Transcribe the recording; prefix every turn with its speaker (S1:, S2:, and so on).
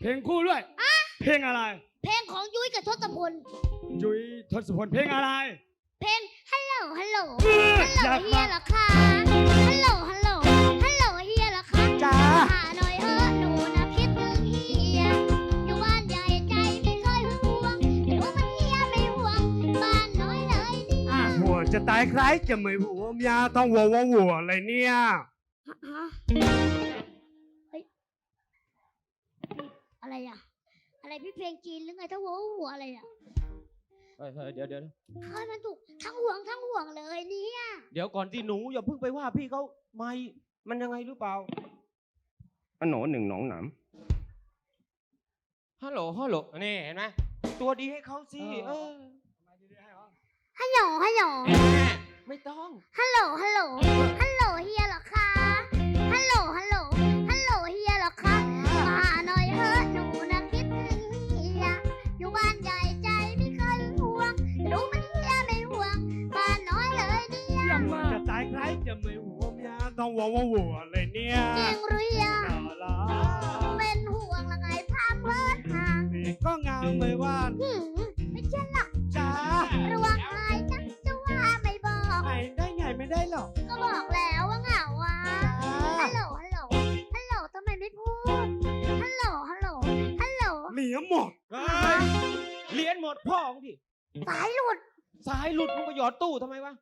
S1: เพลงคู่ด้วยเพลงอะไร
S2: เพลงของยุ้ยกับทศพล
S1: ยุ้ยทศพลเพลงอะไร
S2: เพลงฮัลโหลฮัลโหล
S1: อยาก
S2: เฮี
S1: ฟั
S2: ย
S1: ง
S2: เหรอคะฮัลโหลฮัลโหลฮัลโหลเฮียเหรอคะ
S1: จ้า
S2: หาหน่อยหนูนะคิดถึงเฮียอยู่บ้านใหญ่ใจไม่เคยห่วงรู้มันเฮียไม่ห่วงบ้านน้อยเลยเนี่ย
S3: หัวจะตายใครจะไม่หัวเมียต้องหัวอะไรเนี่ย
S2: ฮะเฮ้ยอะไรอ่ะอะไรพี่เพลงจีนหรือไงถ้าหัวอะไรอ่ะ
S4: เฮ้ยเดี๋ยว
S2: เฮ้ยมันถูกทั้งห่วงเลยเนี่ย
S4: เดี๋ยวก่อนที่หนูอย่าเพิ่งไปว่าพี่เขาไม่มันยังไงหรือเปล่า
S3: อันหนอหนึ่งหนองหนาม
S4: ฮัลโหลนี่เห็นไหมตัวดีให้เขาสิ
S2: ฮัลโหลฮัลโหล
S4: ไม่ต้อง
S2: ฮัลโหลฮัลโหลฮัลโหลเฮียเหรอคะฮัลโหลฮัลโหลฮัลโหลเฮียเหรอคะมาหน่อยหนูนะคิดถึงเฮียอยู่บ้านใหญ่ใจไม่เคยห่วงรู้มันเฮียไม่ห่วงบ้านน้อยเลยเนี่ย
S3: หัวจะตายใครจะไม่หัวเมียต้องหัวอะไรเนี่ย
S2: จริงหรือยัง
S3: น่ารัก
S2: เป็นห่วงละไงพาเพิ่นห่าง
S3: นี่ก็งามไม่ว่า
S2: ไม่เชื่อหรอก
S3: จ้า
S2: ระวังหายนะจะว่าไม่บอก
S3: ไงได้ไงไม่ได้หรอก
S2: ก็บอกแล้วว่าเหงาอ่ะฮัลโหลฮัลโหลฮัลโหลทำไมไม่พูดฮัลโหลฮัลโหลฮัลโหล
S3: เหลียหมด
S4: เรียนหมดพ่อของดิ
S2: สายหลุด
S4: สายหลุดมึงไปหยอดตู้ทำไมวะ